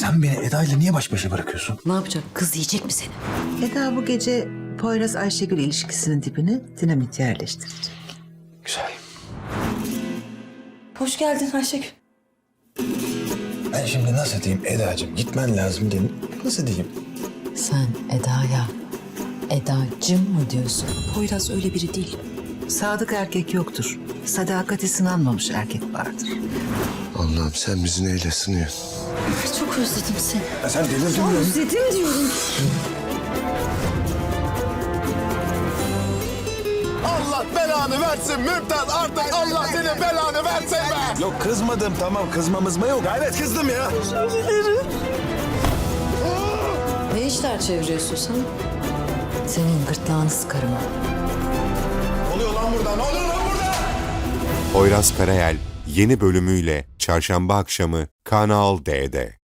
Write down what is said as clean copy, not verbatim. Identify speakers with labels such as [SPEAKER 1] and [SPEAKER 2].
[SPEAKER 1] Sen beni Eda ile niye baş başa bırakıyorsun?
[SPEAKER 2] Ne yapacak? Kız yiyecek mi seni?
[SPEAKER 3] Eda bu gece Poyraz Ayşegül ilişkisinin dibine dinamit yerleştirecek.
[SPEAKER 1] Güzel.
[SPEAKER 2] Hoş geldin Ayşegül.
[SPEAKER 1] Ben şimdi nasıl diyeyim Eda'cığım gitmen lazım diyeyim. Nasıl diyeyim?
[SPEAKER 2] Sen Eda'ya Edacım mı diyorsun? Poyraz öyle biri değil.
[SPEAKER 3] Sadık erkek yoktur. Sadakati sınanmamış erkek vardır.
[SPEAKER 4] Allah'ım sen bizi neyle sınıyorsun?
[SPEAKER 2] Çok özledim seni.
[SPEAKER 1] Ya sen delirdin mi?
[SPEAKER 2] Özledim diyorum.
[SPEAKER 4] Allah belanı versin Mümtaz artık Allah senin belanı versin be.
[SPEAKER 1] Yok kızmadım tamam kızmamız mı yok?
[SPEAKER 4] Gayret kızdım ya.
[SPEAKER 2] Ne işler çeviriyorsun sen? Senin gırtlağını sıkarım.
[SPEAKER 4] Ne oluyor lan burada? Ne oluyor lan burada?
[SPEAKER 5] Poyraz Karayel yeni bölümüyle Çarşamba akşamı Kanal D'de.